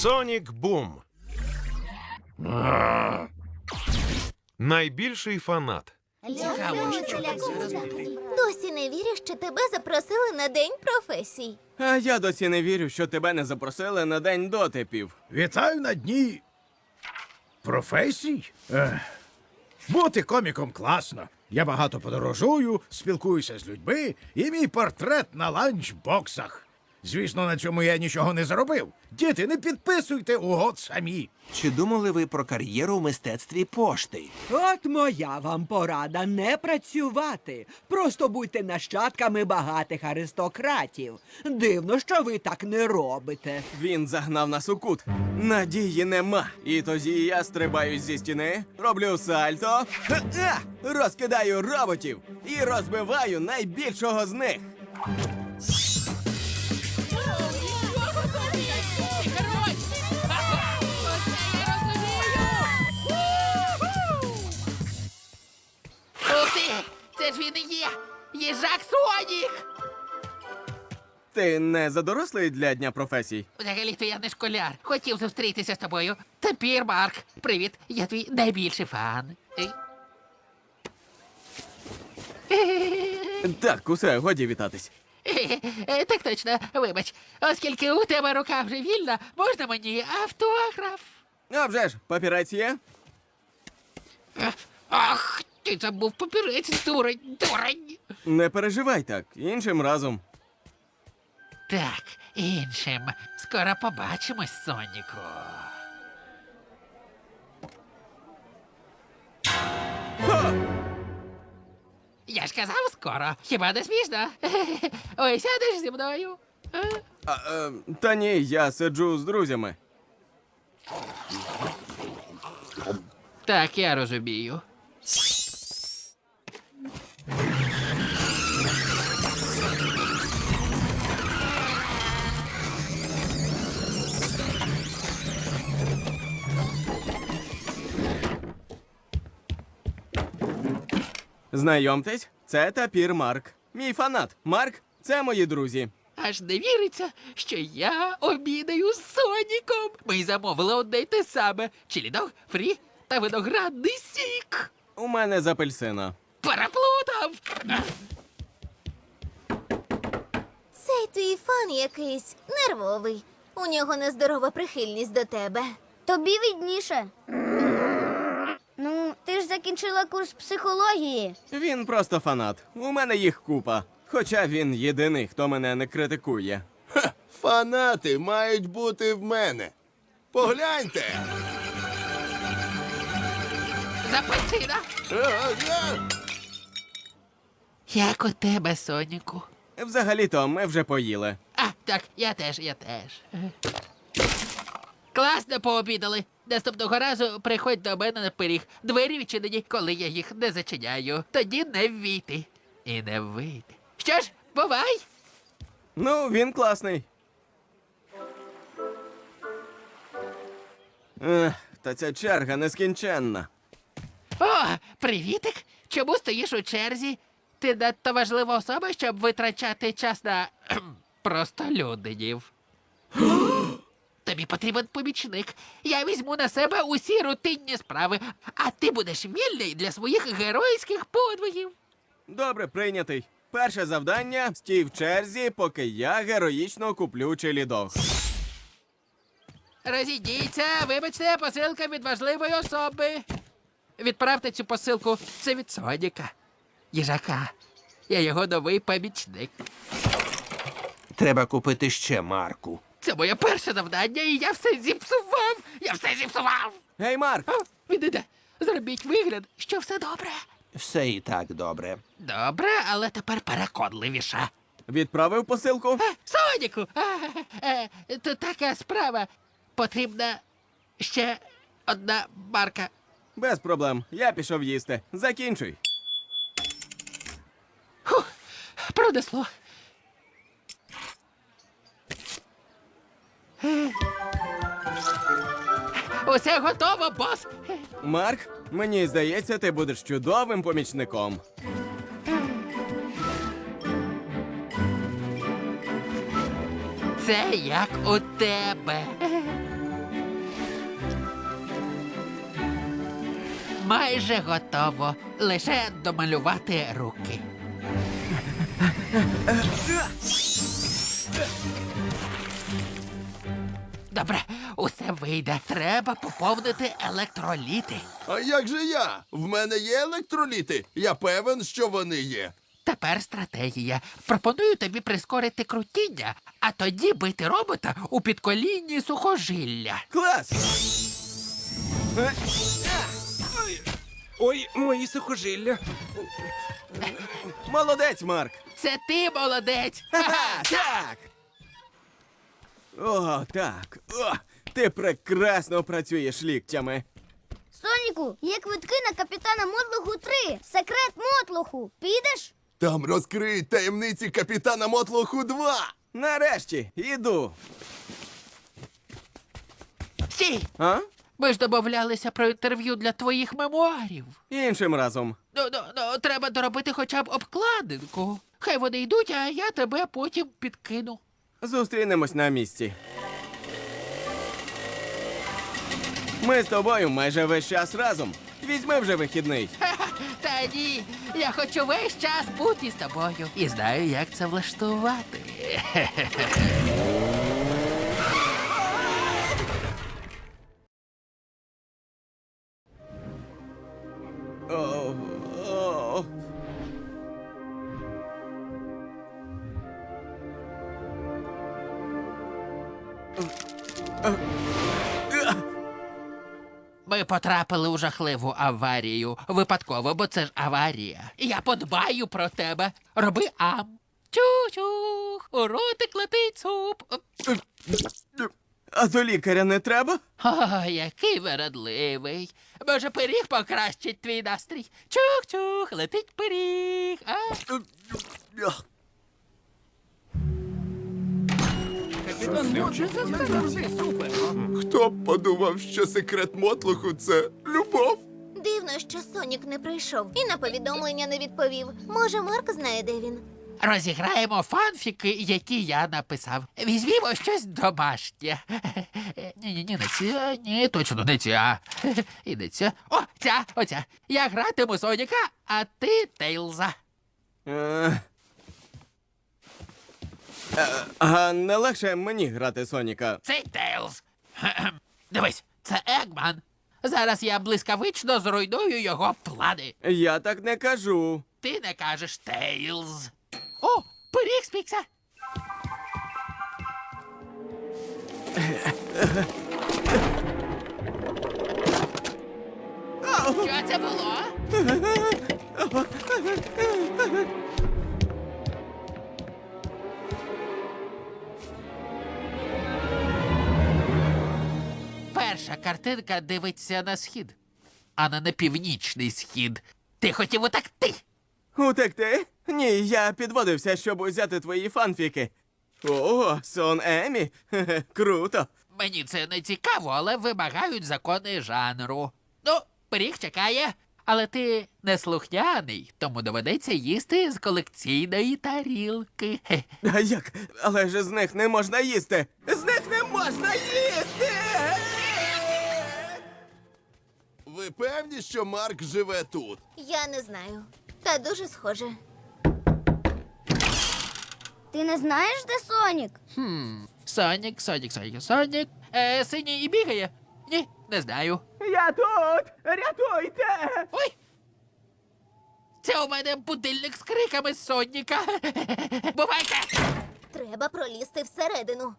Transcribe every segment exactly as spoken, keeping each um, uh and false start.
Сонік Бум. Найбільший фанат. Цікаво, що ти зараз буде. Досі не вірю, що тебе запросили на День професій. А я досі не вірю, що тебе не запросили на день дотипів. Вітаю на дні професій. Ех. Бути коміком класно. Я багато подорожую, спілкуюся з людьми, і мій портрет на ланчбоксах. Звісно, на цьому я нічого не заробив. Діти, не підписуйте угод самі. Чи думали ви про кар'єру в мистецтві пошти? От моя вам порада – не працювати. Просто будьте нащадками багатих аристократів. Дивно, що ви так не робите. Він загнав нас у кут. Надії нема. І тоді я стрибаю зі стіни, роблю сальто, ха-ха, розкидаю роботів і розбиваю найбільшого з них. Ух ти! Це ж він і є! Їжак Сонік! Ти не задорослий для Дня професій? Взагалі-то я не школяр. Хотів зустрітися з тобою. Тепер, Марк. Привіт, я твій найбільший фан. Так, усе, годі вітатись. Е, Так точно, вибач. Оскільки у тебе рука вже вільна, можна мені автограф? А вже ж, папірець є? Е, Ах, ти забув папірець, дурень, дурень. Не переживай так, іншим разом. Так, іншим. Скоро побачимось, Соніку. Я ж казав скоро. Хіба не смішно? Ой, сядеш зі мною? А? А, е, та ні, я сиджу з друзями. Так, я розумію. Знайомтесь, це Тапір Марк. Мій фанат. Марк – це мої друзі. Аж не віриться, що я обідаю з Соніком. Ми замовили одне й те саме. Чилідог, фрі та виноградний сік. У мене з апельсина. Переплутав! Цей твій фан якийсь нервовий. У нього нездорова прихильність до тебе. Тобі відніше. Ну, ти ж закінчила курс психології. Він просто фанат. У мене їх купа. Хоча він єдиний, хто мене не критикує. Ха, фанати мають бути в мене. Погляньте. Запальцина! Ага. Як у тебе, Соніку? Взагалі-то ми вже поїли. А, так, я теж, я теж. Класно пообідали. Наступного разу приходь до мене на пиріг. Двері відчинені, коли я їх не зачиняю. Тоді не ввійти. І не вийти. Що ж, бувай! Ну, він класний. Ех, та ця черга нескінченна. О, привітик! Чому стоїш у черзі? Ти надто важлива особа, щоб витрачати час на кхм, простолюдинів. Тобі потрібен помічник. Я візьму на себе усі рутинні справи, а ти будеш вільний для своїх геройських подвигів. Добре, прийнятий. Перше завдання – стій в черзі, поки я героїчно куплю чилідог. Розійдіться, вибачте, посилка від важливої особи. Відправте цю посилку. Це від Соніка. Їжака. Я його новий помічник. Треба купити ще Марку. Це моє перше завдання, і я все зіпсував. Я все зіпсував. Гей, Марк! О, він іде. Зробіть вигляд, що все добре. Все і так добре. Добре, але тепер переконливіше. Відправив посилку? А, Соніку! А, е, то така справа. Потрібна ще одна марка. Без проблем. Я пішов їсти. Закінчуй. Фух, пронесло. Е. Усе готово, бос. Марк, мені здається, ти будеш чудовим помічником. Це як у тебе. Майже готово. Лише домалювати руки. Добре, усе вийде. Треба поповнити електроліти. А як же я? В мене є електроліти. Я певен, що вони є. Тепер стратегія. Пропоную тобі прискорити крутіння, а тоді бити робота у підколінні сухожилля. Клас! Е, Ой, мої сухожилля. Молодець, Марк! Це ти молодець! Ха-ха! Так! О, так. О, ти прекрасно працюєш ліктями. Соніку, є квитки на капітана Мотлоху три. Секрет Мотлоху. Підеш? Там розкриють таємниці капітана Мотлоху два. Нарешті, іду. Стій! А? Ми ж домовлялися про інтерв'ю для твоїх мемуарів. Іншим разом. Ну, ну, ну, треба доробити хоча б обкладинку. Хай вони йдуть, а я тебе потім підкину. Зустрінемось на місці. Ми з тобою майже весь час разом. Візьми вже вихідний. Ха-ха, та ні, я хочу весь час бути з тобою. І знаю, як це влаштувати. О, о. Ми потрапили у жахливу аварію. Випадково, бо це ж аварія. Я подбаю про тебе. Роби ам. Чух-чух, у ротик летить суп. А до лікаря не треба? О, який вередливий. Може, пиріг покращить твій настрій. Чух-чух, летить пиріг. А? Хто б подумав, що секрет Мотлоху – це любов? Дивно, що Сонік не прийшов і на повідомлення не відповів. Може, Марк знає, де він. Розіграємо фанфіки, які я написав. Візьмімо щось домашнє. Ні-ні-ні, не ця, ні, точно не ця. І не ця. О, ця, оця. Я гратиму Соніка, а ти Тейлза. Е, е, А не легше мені грати Соніка. Цей Тейлз. Кхе-кхем. Дивись, це Егман. Зараз я блискавично зруйную його плани. Я так не кажу. Ти не кажеш Тейлз. О, пиріг спікся. Що це було? Перша картинка дивиться на схід, а не на північний схід. Ти хотів утекти. Утекти? Ні, я підводився, щоб узяти твої фанфіки. О, сон Емі? Хе-хе, круто. Мені це не цікаво, але вимагають закони жанру. Ну, пиріг чекає, але ти не слухняний, тому доведеться їсти з колекційної тарілки. Хе. А як? Але ж з них не можна їсти. З них не можна їсти! Ви певні, що Марк живе тут? Я не знаю. Та дуже схоже. Ти не знаєш, де Сонік? Сонік, Сонік, Сонік, Сонік. Е, синій і бігає? Ні, не знаю. Я тут! Рятуйте! Ой! Це у мене будильник з криками Соніка. Бувайте! Треба пролізти всередину.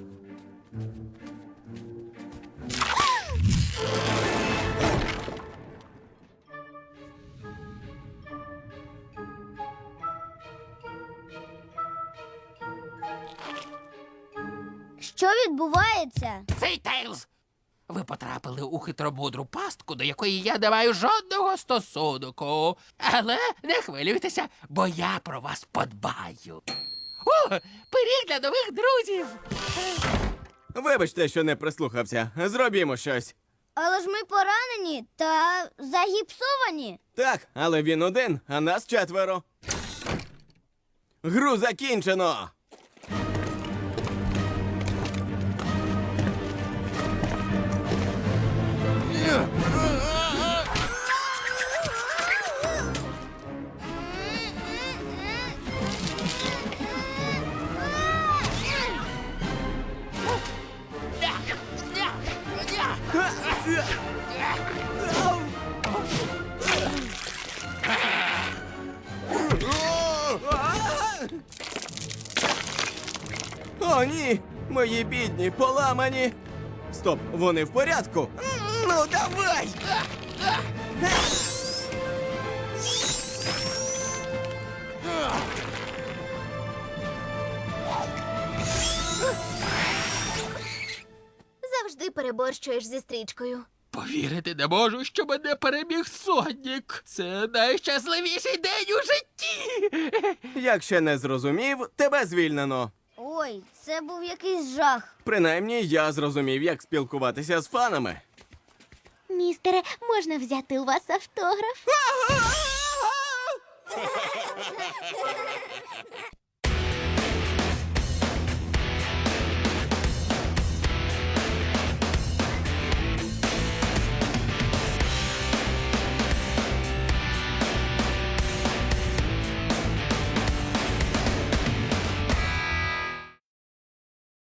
Що відбувається? Цей Тейлз! Ви потрапили у хитромудру пастку, до якої я не маю жодного стосунку. Але не хвилюйтеся, бо я про вас подбаю. О, пиріг для нових друзів! Вибачте, що не прислухався. Зробімо щось. Але ж ми поранені та загіпсовані. Так, але він один, а нас четверо. Гру закінчено! О, ні! Мої бідні, поламані! Стоп, вони в порядку? Ну, давай! Завжди переборщуєш зі стрічкою. Повірити не можу, що мене переміг Сонік. Це найщасливіший день у житті. Якщо не зрозумів, тебе звільнено. Ой, це був якийсь жах. Принаймні, я зрозумів, як спілкуватися з фанами. Містере, можна взяти у вас автограф?